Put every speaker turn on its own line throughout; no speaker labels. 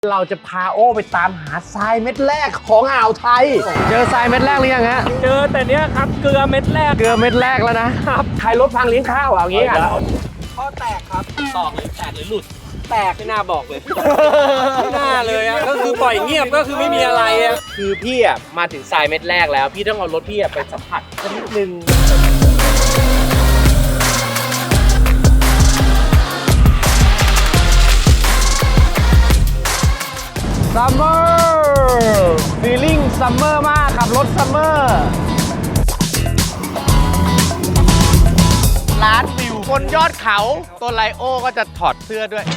เราจะพาโอ้ไปตามหาทรายเม็ดแรกของอ่าวไทยเจอทรายเม็ดแรกหรือยังฮะ
เจอแต่เนี้ยครับเกลือเม็ดแรก
เกลือเม็ดแรกแล้วนะครับใครรถพังเลี้ยงข้าวเอางี้กัน
ข้อแตกครับตอกเลยแตกหรือหลุดแตกไม่น่าบอกเลยไม่น่าเลยอ่ะก็คือปล่อยเงียบก็คือไม่มีอะไรอ่ะ
คือพี่อ่ะมาถึงทรายเม็ดแรกแล้วพี่ต้องเอารถพี่ไปสัมผัสสักนิดนึงซัมเมอร์ฟีลลิ่งซัมเมอร์มากขับรถซัมเมอร์ร้านวิวบนยอดเขาตัวไลโอก็จะถอดเสื้อด้วย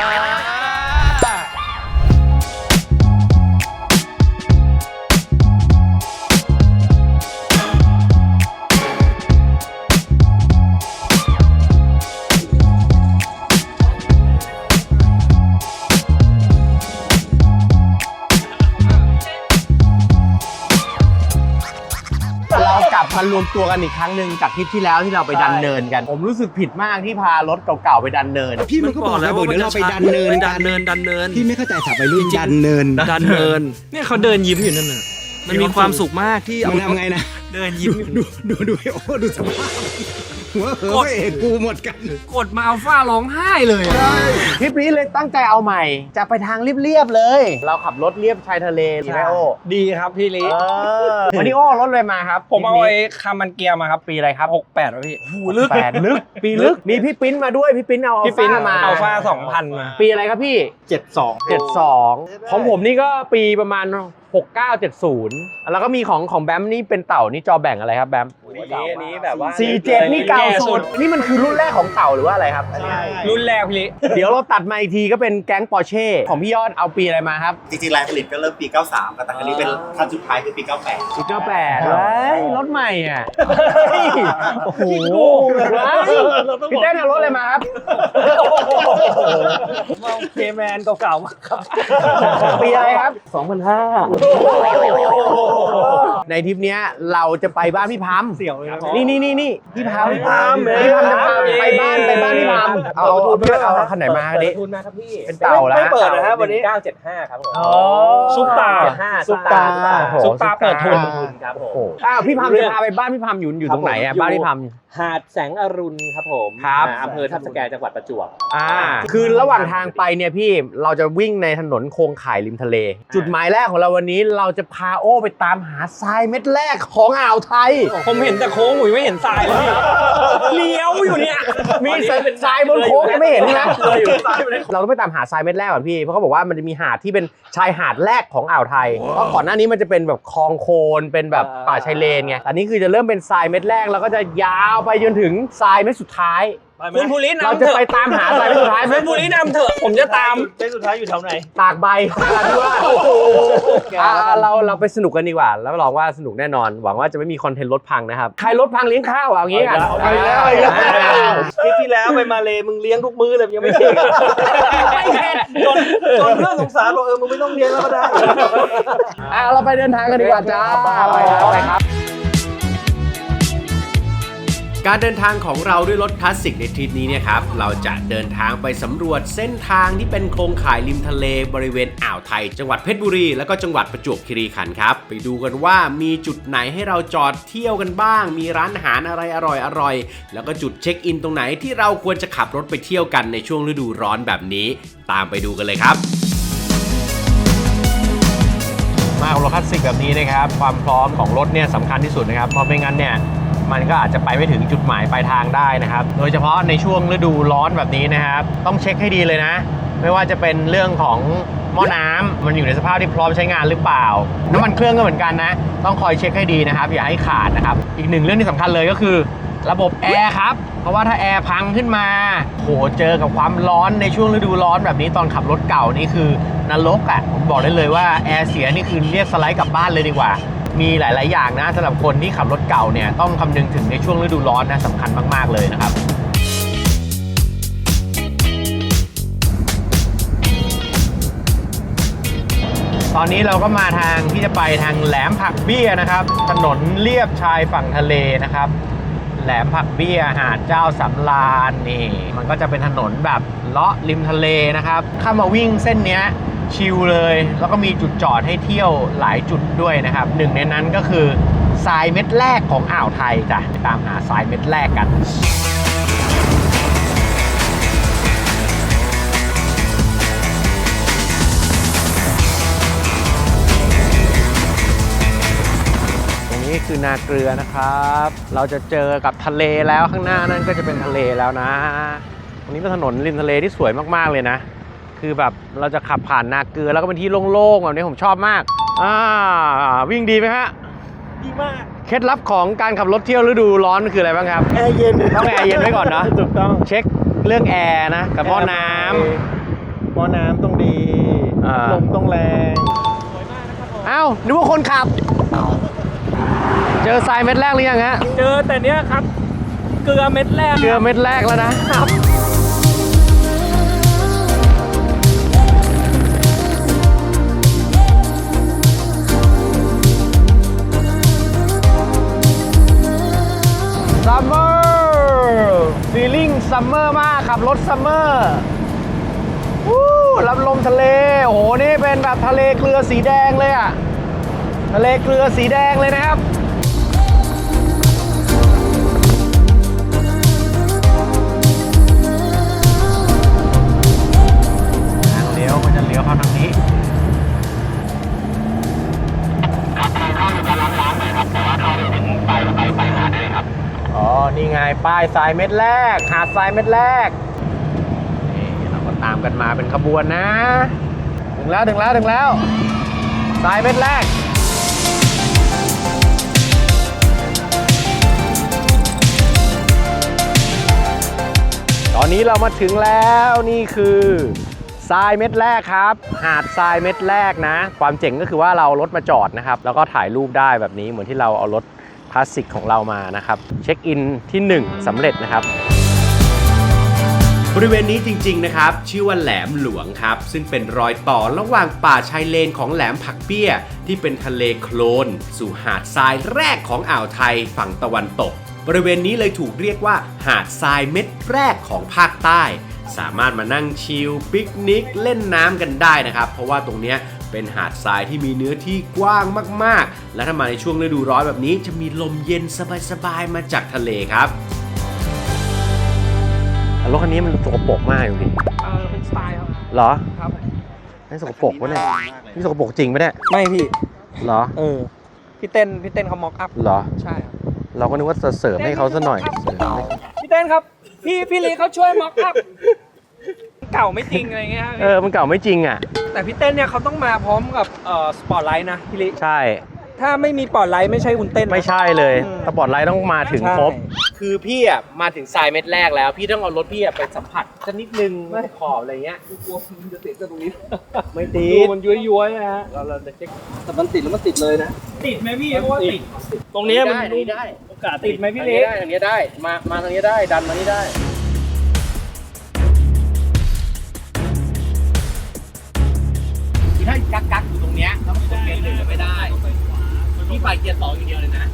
เรากลับมารวมตัวกันอีกครั้งหนึ่งจากทริปที่แล้วที่เราไปดันเนินกันผมรู้สึกผิดมากที่พารถเก่าๆไปดันเนิน
พี่มันก็บอกแล้วว่าเดี๋ยวเราไปดันเนิน
ดันเนิน
พี่ไม่เข้าใจสับไปรุ่นดันเนิน
เนี่ยเขาเดินยิ้มอยู่นั่นน่ะมันมีความสุขมากที่
มันทำไงนะ
เดินยิ้ม
ดูโอ้ดูสภาพหัวเหอเอกกูหมดกัน
กดมาอัลฟาร้องไห้เลย
ทริปนี้เลยตั้งใจเอาใหม่จะไปทางเรียบๆเลย เราขับรถเรียบชายทะเลดีไหมโอ
ดีครับพี่ลิ
วันนี้โอ้รถเลยมาครับ
ผมเอาไอ้คามันเกียร์มาครับ
ปีอะไรครับ
68แล้วพี่
ลึก8ลึกปีลึกมีพี่ปิ้นมาด้วยพี่ปิ้นเอาอัลฟามา
อัลฟา2000มา
ปีอะไรครับพี่72ของผมนี่ก็ปีประมาณ6970แล้วก็มีของแบมนี่เป็นเต่านี่จอแบ่งอะไรครับแบม
อันนี้แบบว่า
47นี่เก่าสุดนี่มันคือรุ่นแรกของเต่าหรือว่าอะไรครับ
รุ่นแรกพี่
เดี๋ยวเราตัดมาอีกทีก็เป็นแก๊งปอร์เช่ของพี่ยอดเอาปีอะไรมาครับ
จริงๆรายผลิตก็เริ่มปี93แต่อันนี้เป็นคันสุดท้ายคือปี98
เฮ้ยรถใหม่อ่ะโอ้โหพี่เต้นเอารถอะไรมาครับ
เคแมนเก่าๆมาครับ
ปีอะไรครับ
2005
ในทริปนี้เราจะไปบ้านพี่พัม
เสี่ยวเลยครับ
นี่พี่พัมจะพาไปบ้านพี่พัมเอาคันไหนมาดิ
ทุนมาครับพี่
เป็นเต่าแล้ว
ไม่เปิดนะครับวันนี้975ครับผมซุปตาเปิดทุนครับผม
พี่พัมจะพาไปบ้านพี่พัมอยู่ตรงไหนอ่ะบ้านพี่พัม
หาดแสงอรุณครับผมอำเภอทับสแกจังหวัดประจวบ
คือระหว่างทางไปเนี่ยพี่เราจะวิ่งในถนนโคงข่ายริมทะเลจุดหมายแรกของเราวันนี้เราจะพาโอ้ไปตามหาทรายเม็ดแรกของอ่าวไทย
ผมเห็นแต่โค้งผมไม่เห็นทรายเลยเลี้ยวอยู่เนี่ย
มีทรายบนโค้งไม่เห็นนะเราต้องไปตามหาทรายเม็ดแรกก่อนพี่เพราะเขาบอกว่ามันจะมีหาดที่เป็นชายหาดแรกของอ่าวไทยเพราะก่อนหน้านี้มันจะเป็นแบบคลองโคลนเป็นแบบป่าชายเลนไงอันนี้คือจะเริ่มเป็นทรายเม็ดแรกแล้วก็จะยาวไปจนถึงทรายเม็ดสุดท้าย
คุณภูริน
เราจะไปตามหาทรายเม็ดสุดท้าย
คุณภูรินำเถอะผมจะตามเม็ดสุดท้ายอยู่แถวไหน
ตากใบเราไปสนุกกันดีกว่าแล้วลองว่าสนุกแน่นอนหวังว่าจะไม่มีคอนเทนต์รถพังนะครับใครรถพังเลี้ยงข้าวเอางี้กัน
ไปแล้วที่แล้วไปมาเลมึงเลี้ยงทุกมื้อเลยยังไม่เข็ดไม่เข็ดจนเพื่อนสงสารบอกมึงไม่ต้องเลี้ยงแล้วก็ได้
เราไปเดินทางกันดีกว่าจ้าไปครับการเดินทางของเราด้วยรถคลาสสิกในทริปนี้เนี่ยครับเราจะเดินทางไปสำรวจเส้นทางที่เป็นโครงข่ายริมทะเลบริเวณอ่าวไทยจังหวัดเพชรบุรีแล้วก็จังหวัดประจวบคีรีขันธ์ครับไปดูกันว่ามีจุดไหนให้เราจอดเที่ยวกันบ้างมีร้านอาหารอะไรอร่อยแล้วก็จุดเช็คอินตรงไหนที่เราควรจะขับรถไปเที่ยวกันในช่วงฤดูร้อนแบบนี้ตามไปดูกันเลยครับมากับรถคลาสสิกแบบนี้นะครับความพร้อมของรถเนี่ยสำคัญที่สุดนะครับเพราะไม่งั้นเนี่ยมันก็อาจจะไปไม่ถึงจุดหมายปลายทางได้นะครับโดยเฉพาะในช่วงฤดูร้อนแบบนี้นะครับต้องเช็คให้ดีเลยนะไม่ว่าจะเป็นเรื่องของหม้อน้ำมันอยู่ในสภาพที่พร้อมใช้งานหรือเปล่าน้ำมันเครื่องก็เหมือนกันนะต้องคอยเช็คให้ดีนะครับอย่าให้ขาดนะครับอีกหนึ่งเรื่องที่สำคัญเลยก็คือระบบแอร์ครับเพราะว่าถ้าแอร์พังขึ้นมาโหเจอกับความร้อนในช่วงฤดูร้อนแบบนี้ตอนขับรถเก่านี่คือนรกอ่ะผมบอกได้เลยว่าแอร์เสียนี่คือเรียกสไลด์กลับบ้านเลยดีกว่ามีหลายๆอย่างนะสำหรับคนที่ขับรถเก่าเนี่ยต้องคำนึงถึงในช่วงฤดูร้อนนะสำคัญมากๆเลยนะครับตอนนี้เราก็มาทางที่จะไปทางแหลมผักเบี้ยนะครับถนนเลียบชายฝั่งทะเลนะครับแหลมผักเบี้ยหาดเจ้าสำราญนี่มันก็จะเป็นถนนแบบเลาะริมทะเลนะครับถ้ามาวิ่งเส้นนี้ชิลเลย แล้วก็มีจุดจอดให้เที่ยวหลายจุดด้วยนะครับหนึ่งในนั้นก็คือทรายเม็ดแรกของอ่าวไทยจ้ะไปตามหาทรายเม็ดแรกกันนี่คือนาเกลือนะครับ เราจะเจอกับทะเลแล้วข้างหน้านั่นก็จะเป็นทะเลแล้วนะตรงนี้เป็นถนนริมทะเลที่สวยมากๆเลยนะคือแบบเราจะขับผ่านนาเกลือแล้วก็เป็นที่โล่งๆแบบนี้ผมชอบมากวิ่งดีไหมฮะ
ดีมาก
เคล็ดลับของการขับรถเที่ยวฤดูร้อนคืออะไรบ้างครับ
แอร์เย็น
ต้องแอร์เย็นไว้ก่อนเนาะ
ถูกต้อง
เช็คเรื่องแอร์นะกับหม้อน้ำ
หม้อน้ำต้องดีลมต้องแรง
อ้าวนึกว่าคนขับเจอทรายเม็ดแรกหรือยังฮะ
เจอแต่เนี้ยครับเกลือเม็ดแรก
เกลือเม็ดแรกแล้วนะครับซัมเมอร์ฟีลิ่งซัมเมอร์มากขับรถซัมเมอร์รับลมทะเลโอ้โหนี่เป็นแบบทะเลเกลือสีแดงเลยอะทะเลเกลือสีแดงเลยนะครับเลี้ยวมันจะเลี้ยวเข้าทางนี้อ๋อนี่ไงป้ายทรายเม็ดแรกหาดทรายเม็ดแรกนี่เราก็ตามกันมาเป็นขบวนนะถึงแล้วทรายเม็ดแรกตอนนี้เรามาถึงแล้วนี่คือทรายเม็ดแรกครับหาดทรายเม็ดแรกนะความเจ๋งก็คือว่าเรารถมาจอดนะครับแล้วก็ถ่ายรูปได้แบบนี้เหมือนที่เราเอารถคลาสสิกของเรามานะครับเช็คอินที่1สำเร็จนะครับบริเวณนี้จริงๆนะครับชื่อว่าแหลมหลวงครับซึ่งเป็นรอยต่อระหว่างป่าชายเลนของแหลมผักเปี้ยที่เป็นทะเลโคลนสู่หาดทรายแรกของอ่าวไทยฝั่งตะวันตกบริเวณนี้เลยถูกเรียกว่าหาดทรายเม็ดแรกของภาคใต้สามารถมานั่งชิลปิกนิกเล่นน้ำกันได้นะครับเพราะว่าตรงเนี้ยเป็นหาดทรายที่มีเนื้อที่กว้างมากๆและถ้ามาในช่วงฤดูร้อนแบบนี้จะมีลมเย็นสบายๆมาจากทะเลครับรถคันนี้มันสกปรกมากอยู่ดิ
เป็นสไตล์ครับ
เหรอ
ครับ
ไม่สกปรกวะเนี่ยนี่สกปรกจริงไหมเนี่ย
ไม่พี่
เหรอ
พี่เต้นเขาม็อกอัพ
เหรอ
ใช่ครับ
เราก็นึกว่าจะเสริมให้เขาซะหน่อย
พี่เต้นครับพี่ลีเขาช่วยม็อกอัพเก่าไม่จริงอะไรเงี้ย
มันเก่าไม่จริงอ่ะ
แต่พี่เต้นเนี่ยเขาต้องมาพร้อมกับสปอตไลท์นะพี่ลี
ใช่
ถ้าไม่มีสปอตไลท์ไม่ใช่คุณเต้น
ไม่ใช่เลยสปอตไลท์ต้องมาถึงครบคือพี่อ่ะมาถึงทรายเม็ดแรกแล้วพี่ต้องเอารถพี่ไปสัมผัสสักนิดนึงไม่ขอบอะไรเงี้ย
กลัวมันจะติดกับตรงนี้
ไม่ติด
มันย้วยๆนะฮะเราจะเช็คแต่มันติดแล้วมันติดเลยนะติดไหมพี่เพราะว่าติดตรงนี้มัน
ได้
โอกาสติดไหมพี่เล็ก
ทางนี้ได้มาทางนี้ได้ดันมานี่ได้ถ้ากักอยู่ตรงเนี้ยแล้วมันกดเกียร์1ไม่ได้พี่ไปเกียร์2อย่างเดียวเลยนะ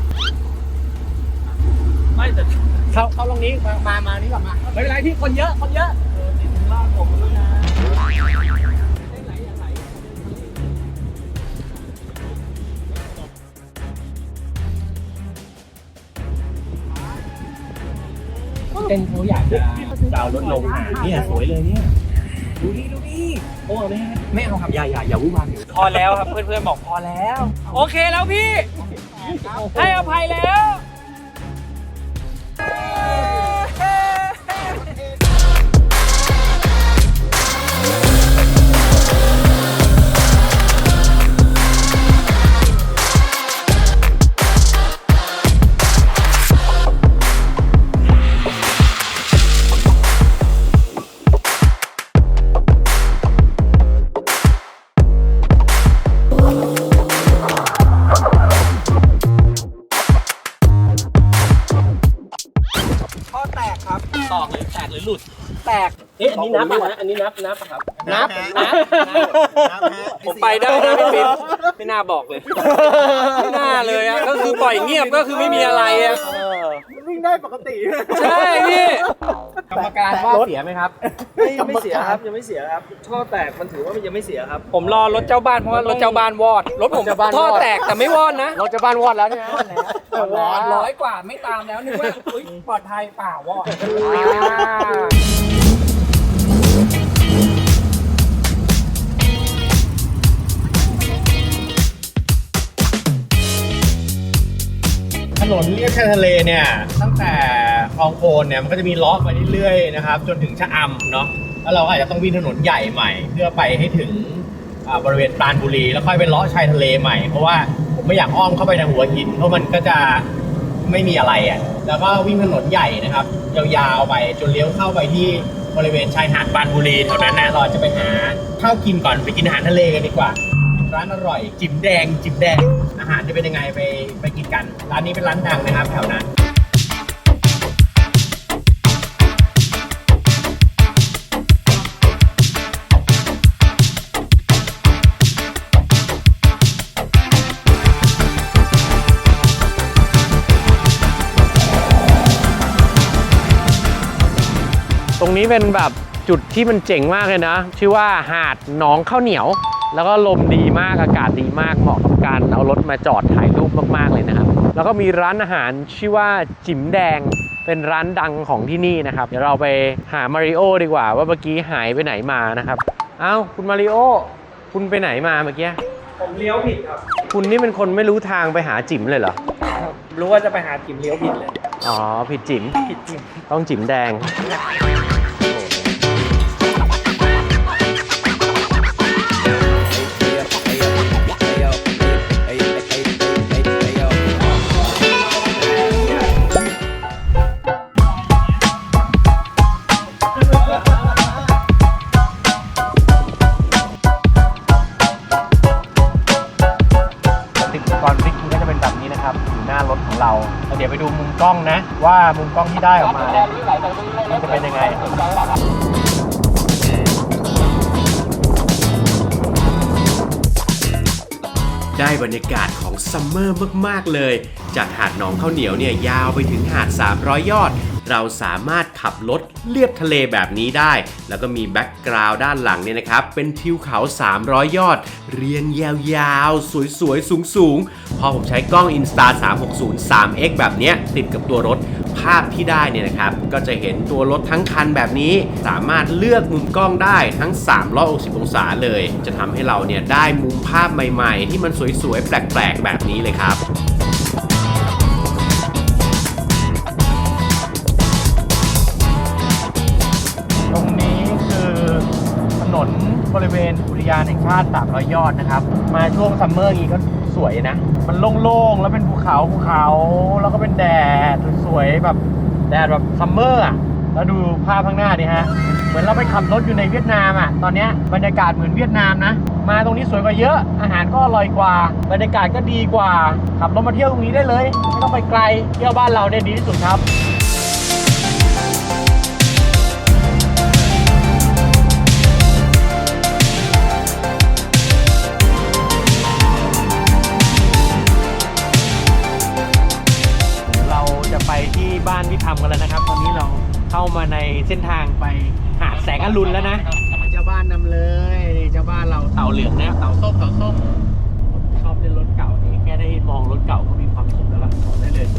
ไม่แต่
เข้าตรงนี้มานี่ก่อนมา
ไม่เป็นไรพี่คนเยอะติดถึงล่างผมด้วยนะ
เต้นเขาอยากจะดาวรถลงเนี่ยสวยเลยเนี่ยดูดิโอ้ไม่เอาครับอย่าวุ่นวาย
พอแล้วครับเพื่อนๆบอกพอแล้วโอเคแล้วพี่ให้อภัยแล้วแตก
อันนี้นับนะอันนี้นับครับนับ
ผมไปได้นะพี่ปิ๊บไม่น่าบอกเลยไม่น่าเลยอ่ะก็คือปล่อยเงียบก็คือไม่มีอะไรอ่ะได้ปกติ
ใช่พี่
กรรมการว่าเสียไหมครับ
ไม่เสียครับยังไม่เสียครับท่อแตกมันถือว่ามันยังไม่เสียครับ
ผมรอรถเจ้าบ้านเพราะว่ารถเจ้าบ้านวอดรถผม
รถเจ้าบ้านวอด
ท่อแตกแต่ไม่วอดนะ
รถจะบ้านวอดแล้วใช่ไหม
วอด100 กว่าไม่ตามแล้วนึกว่าอุ๊ยปลอดภัยเปล่าวอด
ถนนเลียบชายทะเลเนี่ยตั้งแต่คลองโคนเนี่ยมันก็จะมีล้อไปเรื่อยๆนะครับจนถึงชะอำเนาะแล้วเราก็อาจจะต้องวิ่งถนนใหญ่ใหม่ เพื่อไปให้ถึงบริเวณปราณบุรีแล้วค่อยไปเลาะชายทะเลใหม่เพราะว่าผมไม่อยากอ้อมเข้าไปทางหัวหินเพราะมันก็จะไม่มีอะไรอ่ะแล้วก็วิ่งถนนใหญ่นะครับยาวๆไปจนเลี้ยวเข้าไปที่บริเวณชายหาดปราณบุรีแถวนั้นนะเราจะไปหาข้าวกินก่อนไปกินอาหารทะเลกันดีกว่าร้านอร่อยจิ๋มแดงอาหารจะเป็นยังไงไปกินกันร้านนี้เป็นร้านดังนะครับแถวนั้นตรงนี้เป็นแบบจุดที่มันเจ๋งมากเลยนะชื่อว่าหาดหนองข้าวเหนียวแล้วก็ลมดีมากอากาศดีมากเหมาะกับการเอารถมาจอดถ่ายรูปมากๆเลยนะครับแล้วก็มีร้านอาหารชื่อว่าจิ๋มแดงเป็นร้านดังของที่นี่นะครับเดี๋ยวเราไปหามาริโอดีกว่าว่าเมื่อกี้หายไปไหนมานะครับเอ้าคุณมาริโอคุณไปไหนมาเมื่อกี้
ผมเลี้ยวผิดครับ
คุณนี่เป็นคนไม่รู้ทางไปหาจิ๋มเลยเหรอ
รู้ว่าจะไปหาจิ๋มเลี้ยวผิดเลย
อ๋อผิดจิ๋มต้องจิ๋มแดงก่อนพลิกมันก็จะเป็นแบบนี้นะครับอยู่หน้ารถของเราแล้วเดี๋ยวไปดูมุมกล้องนะว่ามุมกล้องที่ได้ออกมาเนี่ยมันจะเป็นยังไงได้บรรยากาศของซัมเมอร์มากๆเลยจากหาดหนองข้าวเหนียวเนี่ยยาวไปถึงหาด300 ยอดเราสามารถขับรถเลียบทะเลแบบนี้ได้แล้วก็มีแบ็กกราวด์ด้านหลังเนี่ยนะครับเป็นทิวเขา300 ยอดเรียงยาวๆสวยๆสูงๆพอผมใช้กล้อง Insta 360 3x แบบเนี้ยติดกับตัวรถภาพที่ได้เนี่ยนะครับก็จะเห็นตัวรถทั้งคันแบบนี้สามารถเลือกมุมกล้องได้ทั้ง360 องศาเลยจะทำให้เราเนี่ยได้มุมภาพใหม่ๆที่มันสวยๆแปลกๆแบบนี้เลยครับตรงนี้คือถนนบริเวณอุทยานแห่งชาติ300 ยอดนะครับมาช่วงซัมเมอร์นี้ก็สวยนะมันโล่งๆแล้วเป็นภูเขาแล้วก็เป็นแดดสวยๆแบบแดดแบบซัมเมอร์อ่ะแล้วดูภาพข้างหน้าดิฮะเหมือนเราไปขับรถอยู่ในเวียดนามอ่ะตอนนี้บรรยากาศเหมือนเวียดนามนะมาตรงนี้สวยกว่าเยอะอาหารก็อร่อยกว่าบรรยากาศก็ดีกว่าขับรถมาเที่ยวตรงนี้ได้เลยไม่ต้องไปไกลเที่ยวบ้านเราเนี่ยดีที่สุดครับไปที่บ้านพี่ทำกันแล้วนะครับตอนนี้เราเข้ามาในเส้นทางไปหาดแสงอรุณแล้วนะเจ้าบ้านนำเลยเจ้าบ้านเราเต่าเหลืองนะเต่าส้มชอบเล่นรถเก่านี่แค่ได้มองรถเก่าก็มีความสุขแล้วล่ะบอกได้เลย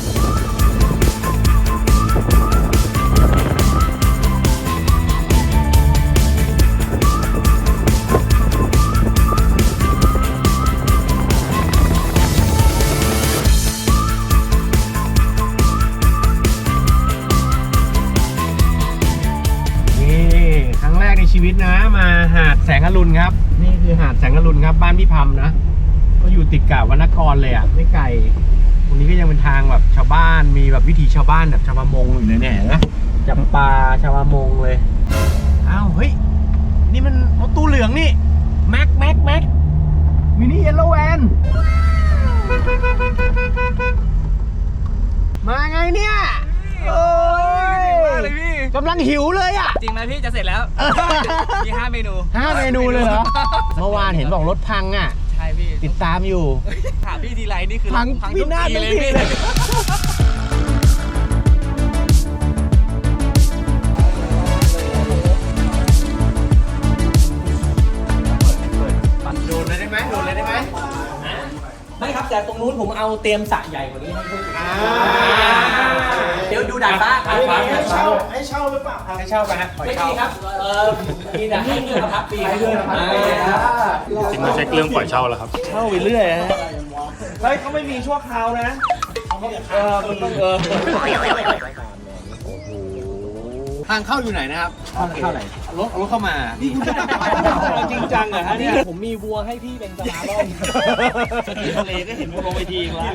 ชีวิตนะมาหาดแสงอรุณครับนี่คือหาดแสงอรุณครับบ้านพี่พัมนะก็อยู่ติดกับวรรณกรเลยอ่ะไม่ไกลตรงนี้ก็ยังเป็นทางแบบชาวบ้านมีแบบวิถีชาวบ้านแบบชาวประมงอยู่เลยเนี่ยนะจับปลาชาวประมงเลยอ้าวเฮ้ยนี่มันรถตู้เหลืองนี่แม็กมินิเยลโลแวนมาไงเนี่ยโอ้ยกำลังหิวเลยอ่ะ
จริงไหมพี่จะเสร็จแล้วมี5 เมนู
5 เมนูเลยเหรอเมื่อวานเห็นบอกรถพังอ่ะ
ใช่พี่
ติดตามอยู่
ถามพี่ทีไรนี่คือ
พังพินาศเลย
ไม่ครับแต่ตรงนู้นผมเอาเตรียมสระใหญ่กว่านี้ให้ด้วยเดี๋ยวดูดาดฟ้าให้เช่าหรือเปล่าให้เช่าไปฮะไม่ดีครับมีแต่ให้เงินพักปีให้ด้วยนะครับ
จริงมาเช็คเรื่องปล่อยเช่าแล้วครับ
เช่าไปเรื่อยฮะเฮ้ยเขาไม่มีชั่วคราวนะมันต้อง
ทางเข้าอยู่ไหนนะครับเข้าไหนรถเข้ามา
นี่คุณจะจริงจังเหรอฮะเนี่ย
ผมมีวัวให้พี่เป็นสนามล่ม
ที่ทะเลก็เห็นลงไปทีแล้ว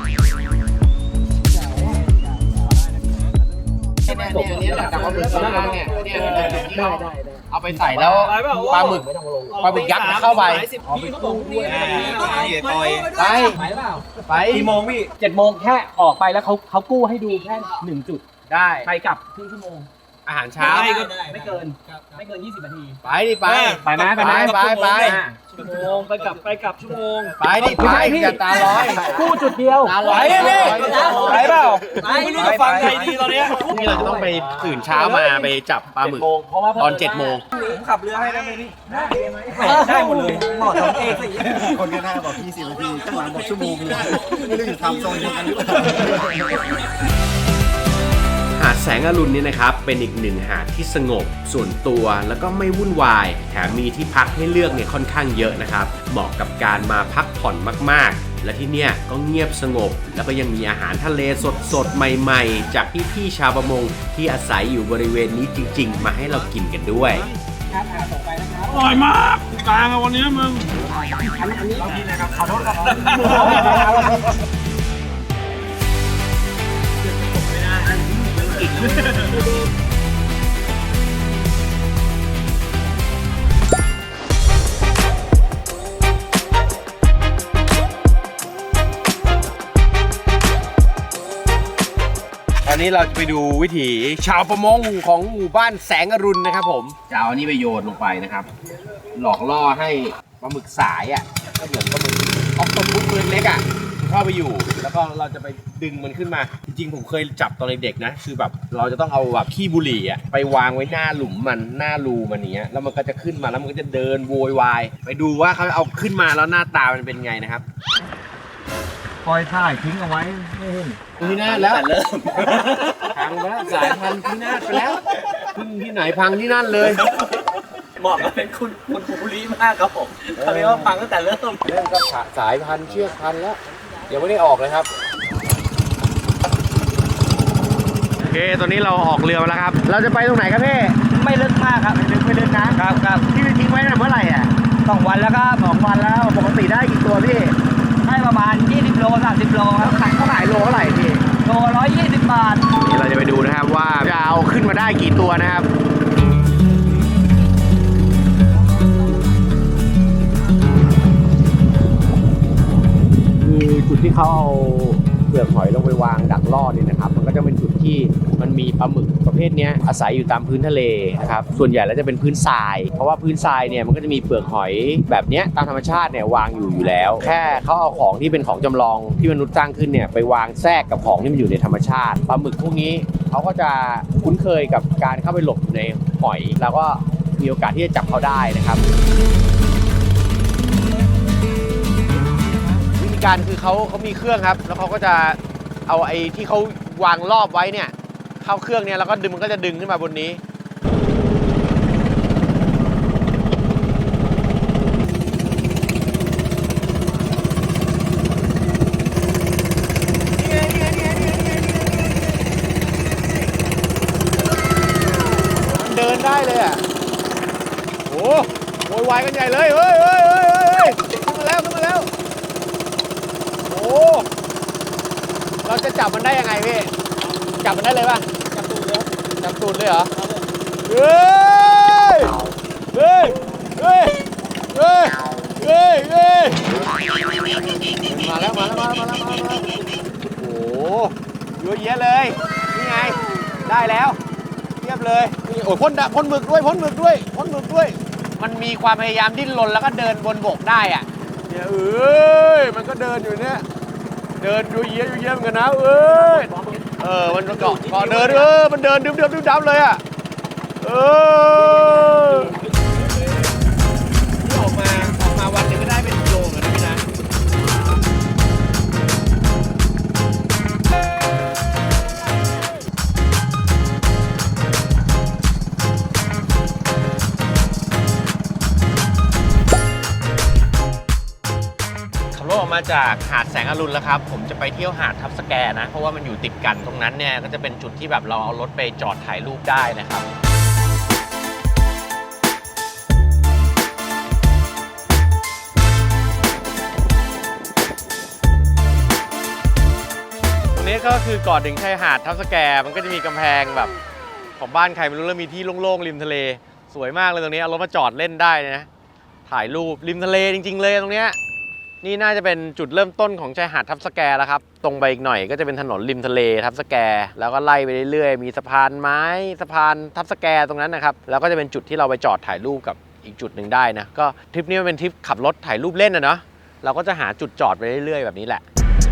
เนี่ยจากว่าเนี่ยเอาไปใส่แล้วปลาหมึกยักษ์เข้าไป
พี่เขาบอกนี่
ปล่อย
ไป
ไปเปล่า
ไป
กี่โมงพี่
7 โมงแค่ออกไปแล้วเขากู้ให้ดูแค่1 จุด
ได้
ไปกลับครึ่งชั่วโมง
อาหารเช้า
ไม่เกิน20 นาที
ไปดิไป
ไปไหม
ไป
ชั่วโมงไปกลับชั่วโมง
ไปดิไปอย่าตาลอย
กู้จุดเดียว
ตาลอย
ไปเปล่าไม่รู้จะฟังใครดีตอนเนี้ย
พรุ่งนี้เราจะต้องไปตื่นเช้ามาไปจับปลาหมึกตอน7 โมง
ผมขับเรือให้ได้ไหมพี่ได้หมดเลยหมอทำเองสิ
คนข้างหน้าบอก20 นาทีข้างหลังบอกชั่วโมงเลยไม่รู้อยู่ทำโซนเดียวกันหรือเปล่า
หาดแสงอรุณเนี่ยนะครับเป็นอีกหนึ่งหาดที่สงบส่วนตัวแล้วก็ไม่วุ่นวายแถมมีที่พักให้เลือกเนี่ยค่อนข้างเยอะนะครับเหมาะกับการมาพักผ่อนมากๆและที่เนี่ยก็เงียบสงบแล้วก็ยังมีอาหารทะเลสดๆใหม่ๆจากพี่ๆชาวประมงที่อาศัยอยู่บริเวณนี้จริงๆมาให้เรากินกันด้วย
ครับต่อไปนะครับ
อร่อยมากกลางอะวันนี้มึง
อันนี้นะครับขอโทษครับ
ตอนนี้เราจะไปดูวิถีชาวประมงของหมู่บ้านแสงอรุณนะครับผมจะเอาอันนี้ไปโยนลงไปนะครับ หลอกล่อให้ปลาหมึกสายอ่ะก็เหมือนปลาหมึกออกตบพุกตัวเล็กๆอ่ะเข้าไปอยู่ แล้วก็เราจะไปดึงมันขึ้นมา จริงๆผมเคยจับตอนเด็กๆนะคือแบบเราจะต้องเอาแบบขี้บุหรี่อ่ะไปวางไว้หน้าหลุมมันหน้ารูมันเนี้ยแล้วมันก็จะขึ้นมาแล้วมันก็จะเดินโวยวายไปดูว่าเขาเอาขึ้นมาแล้วหน้าตามันเป็นไงนะครับ
ปล่อยถ่ายทิ้งเอาไว้ไม่เห็น
พินาศแล้วพังไปแล้วสายพันธุ์พินาศไปแล้วพึ่งที่ไหนพังที่นั่นเลย
เหมาะกับเป็นคุณภูริมากครับผมเขาเรียกว่าฟังตั้งแต่เริ่ม
เริ่มก็สายพันธุ์เชือกพันธุ์แล้วยังไม่ได้ออกเลยครับโอเคตอนนี้เราออกเรือมาแล้วครับ เราจะไปตรงไหนครับพี่
ไม่ลึกมากครับไม่ลึกนะครับ
ที่ทิ้งไว้ตั้งแต่เมื่อไหร่อ่ะ
2 วันแล้วก็2 วันแล้วปกติได้กี่ตัวพี่ให้ประมาณ20 โล30 โลครับขายเท่าไหร่โลเท่าไหร่พี่โล120 บาท
นี่เราจะไปดูนะครับว่าจะเอาขึ้นมาได้กี่ตัวนะครับคือจุดที่เขาเอาเปลือกหอยลงไปวางดักล่อเนี่ยนะครับมันก็จะเป็นจุดที่มันมีปลาหมึกประเภทนี้อาศัยอยู่ตามพื้นทะเลนะครับส่วนใหญ่แล้วจะเป็นพื้นทรายเพราะว่าพื้นทรายเนี่ยมันก็จะมีเปลือกหอยแบบนี้ตามธรรมชาติเนี่ยวางอยู่แล้ว แค่เขาเอาของที่เป็นของจำลองที่มนุษย์สร้างขึ้นเนี่ยไปวางแทรกกับของที่มันอยู่ในธรรมชาติปลาหมึกพวกนี้เขาก็จะคุ้นเคยกับการเข้าไปหลบในหอยแล้วก็มีโอกาสที่จะจับเขาได้นะครับการคือเขามีเครื่องครับแล้วเขาก็จะเอาไอ้ที่เขาวางรอบไว้เนี่ยเข้าเครื่องเนี่ยแล้วก็ดึงมันก็จะดึงขึ้นมาบนนี้มันเดินได้เลยอ่ะโอ้โวยวายกันใหญ่เลยเฮ้ยขึ้นมาแล้วโอ้เราจะจับมันได้ยังไงพี่จับมันได้เลยป่ะจับตูดเลยเหรอเฮ้ยมาแล้วโอ้เยอะแยะเลยนี่ไงได้แล้วเทียบเลยนี่โอ้พ่นหมึกด้วยมันมีความพยายามดิ้นรนแล้วก็เดินบนบกได้อ่ะเนี่ยมันก็เดินอยู่เนี่ยเดินดูเยี่ยมกันนะมันเกาะเดินมันเดินดึ๊บเลยอ่ะออกมาวันหนึ่งก็ได้เป็นกิโลกันนะพี่นะมาจากหาดแสงอรุณแล้วครับผมจะไปเที่ยวหาดทับสแกนะเพราะว่ามันอยู่ติดกันตรงนั้นเนี่ยก็จะเป็นจุดที่แบบเราเอารถไปจอดถ่ายรูปได้นะครับตรงนี้ก็คือก่อนถึงชายหาดทับสแกมันก็จะมีกำแพงแบบของบ้านใครไม่รู้แล้วมีที่โล่งๆริมทะเลสวยมากเลยตรงนี้เอารถมาจอดเล่นได้นะถ่ายรูปริมทะเลจริงๆเลยตรงเนี้ยนี่น่าจะเป็นจุดเริ่มต้นของชายหาดทับสแกแล้วครับตรงไปอีกหน่อยก็จะเป็นถนนริมทะเลทับสแกแล้วก็ไล่ไปเรื่อยๆมีสะพานไม้สะพานทับสแกตรงนั้นนะครับแล้วก็จะเป็นจุดที่เราไปจอดถ่ายรูปกับอีกจุดหนึ่งได้นะก็ทริปนี้มันเป็นทริปขับรถถ่ายรูปเล่นนะเนาะเราก็จะหาจุดจอดไปเรื่อยๆแบบนี้แหละ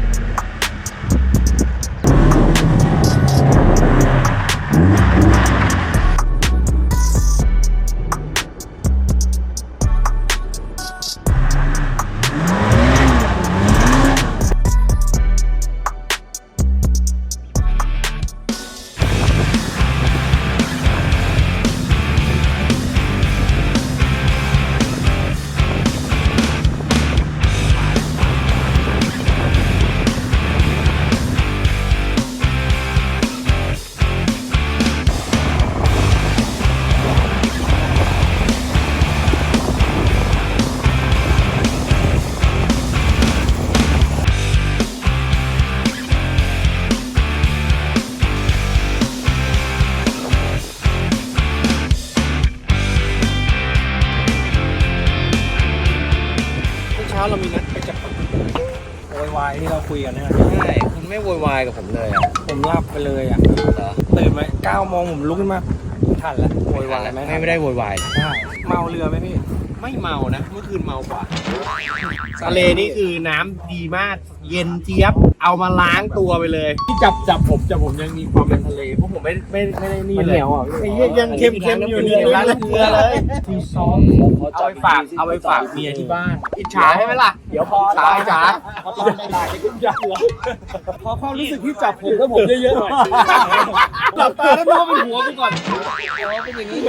เรามีนัดไปจับโวยวายที่เราคุยกันนะใช่คุณไม่โวยวายกับผมเลยอ่ะผมหลับไปเลยอ่ะตื่นมา9 โมงผมลุกขึ้นมาทันแล้วโวยวายไหมไม่ได้โวยวายใช่เมาเรือไหมพี่ไม่เมานะเมื่อคืนเมากว่าทะเลนี่คือน้ำดีมากเย็นเจี๊ยบเอามาล้างตัวไปเลยที่จับผมยังมีความเป็นทะเลเพราะผมไม่ได้นี่เลยไอ้ยังเค็มอยู่เลยล้างเกลือเลยที่ซ้อมเอาไปฝากเมียที่บ้านอิจฉาใช่ไหมล่ะเดี๋ยวพอจ๋าพอตอนได้จะขึ้นยากเหรอพอความรู้สึกที่จับผมแล้วผมเยอะๆหน่อยหลับตาแล้วน้องเป็นหัวไปก่อนเป็นอย่างนี้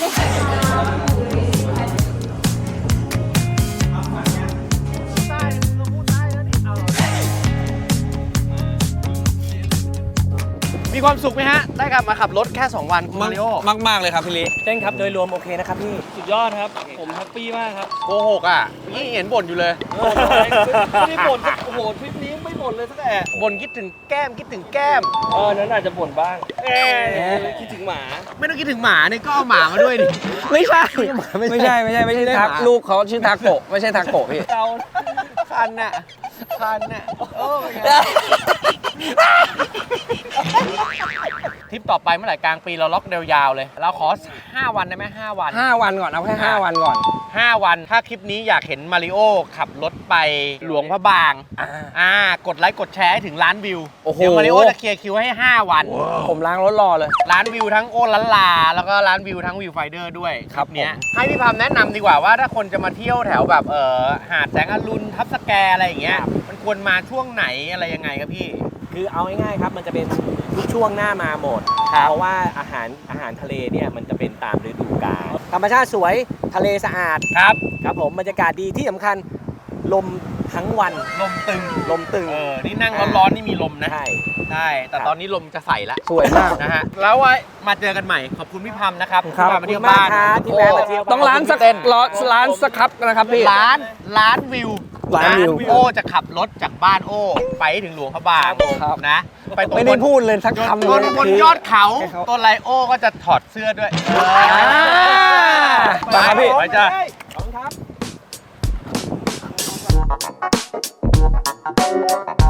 มีความสุขไหมฮะได้กลับมาขับรถแค่2 วันคุณมาริโอมากเลยครับพี่ลิเต้นครับโดยรวมโอเคนะครับพี่สุดยอดครับผมแฮปปี้มากครับโกหกอ่ะนี่เห็นบ่นอยู่เลยไม่ได้บ่นโอ้โหทริปนี้ไม่บ่นเลยสักแอะบ่นคิดถึงแก้มนั้นอาจจะบ่นบ้างคิดถึงหมาไม่ต้องคิดถึงหมาเนี่ยก็เอาหมามาด้วยดิไม่ใช่ทักลูกเขาชื่อทาโกะไม่ใช่ทาโกะพี่คันน่ะโอ้ยทริปต่อไปเมื่อไหร่กลางปีเราล็อกยาวๆเลยเราขอ5 วันได้ไหม5 วัน5 วันก่อนเอาแค่5 วันก่อน5 วันถ้าคลิปนี้อยากเห็นมาริโอขับรถไปหลวงพระบางกดไลค์กดแชร์ให้ถึงล้านวิวเดี๋ยวมาริโอจะเคลียร์คิวให้5 วันผมล้างรถรอเลยล้านวิวทั้งโอลันลาแล้วก็ล้านวิวทั้งวิวไฟเดอร์ด้วยครับเนี้ยให้พี่พามแนะนำดีกว่าว่าถ้าคนจะมาเที่ยวแถวแบบหาดแสงอรุณทับสแกอะไรอย่างเงี้ยมันควรมาช่วงไหนอะไรยังไงครับพี่คือเอาง่ายๆครับมันจะเป็นทุกช่วงหน้ามาหมดเพราะว่าอาหารทะเลเนี่ยมันจะเป็นตามฤดูกาลธรรมชาติสวยทะเลสะอาดครับผมบรรยากาศดีที่สำคัญลมทั้งวันลมตึงนี่นั่งร้อนๆนี่มีลมนะใช่แต่ตอนนี้ลมจะใส่ละสวยมากนะฮะแล้วไว้มาเจอกันใหม่ขอบคุณพี่พัมนะครับที่มาเที่ยวบ้านที่แวะมาเที่ยวต้องร้านสักครับนะครับพี่ร้านวิวโอจะขับรถจากบ้านโอไปถึงหลวงพระบางนะไปตรงไม่ได้พูดเลยสักคำบนยอดเขาต้นไลโอก็จะถอดเสื้อด้วยไปพี่ไปจ้าขอบคุณครับ